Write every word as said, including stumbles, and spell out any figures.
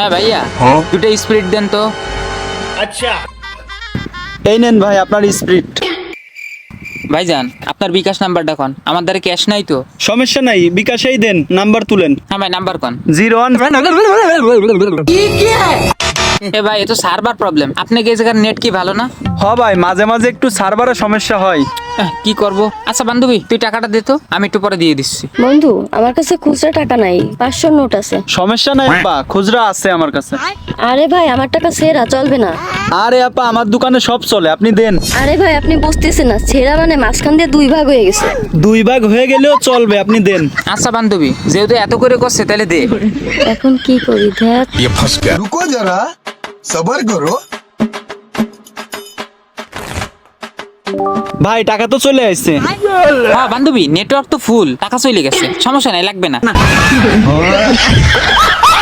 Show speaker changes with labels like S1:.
S1: হ্যাঁ ভাইয়া, দুটো স্পিরিট দেন তো।
S2: আচ্ছা,
S3: এই নেন ভাই আপনার স্প্রিট।
S1: ভাইজান আপনার বিকাশ নাম্বারটা কোন, আমার দ্বারা ক্যাশ নাই তো।
S3: সমস্যা নাই, বিকাশেই দেন, নাম্বার তুলেন।
S1: হ্যাঁ ভাই নাম্বার কোন।
S3: Zero one.
S1: এ ভাই এ তো সার্ভার প্রবলেম, আপনি কি এই জায়গার নেট কি ভালো না?
S3: হ ভাই, মাঝে মাঝে একটু সার্ভারের সমস্যা হয়।
S1: আহ, কি করব। আচ্ছা বান্ধবী তুই টাকাটা দে তো, আমি একটু পরে দিয়ে দিচ্ছি।
S4: বন্ধু আমার কাছে খুচরা টাকা নাই, পাঁচশো নোট আছে।
S3: সমস্যা নাই আপা, খুচরা আছে আমার কাছে।
S4: আরে ভাই আমার টাকা ছেঁড়া চলবে না।
S3: আরে আপা আমার দোকানে সব চলে, আপনি দেন।
S4: আরে ভাই আপনি বুঝতেছেন না, ছেঁড়া মানে মাঝখান দিয়ে দুই ভাগ হয়ে গেছে।
S3: দুই ভাগ হয়ে গেলেও চলবে, আপনি দেন।
S1: আচ্ছা বান্ধবী যেহেতু এত করে করছে তাহলে দে।
S4: এখন কি করি দেখ।
S5: ये फंस गया। रुको जरा, सबर करो।
S3: ভাই টাকা তো চলে আসছে।
S1: হ্যাঁ বান্ধবী নেটওয়ার্ক তো ফুল, টাকা চলে গেছে, সমস্যা নাই, লাগবে না।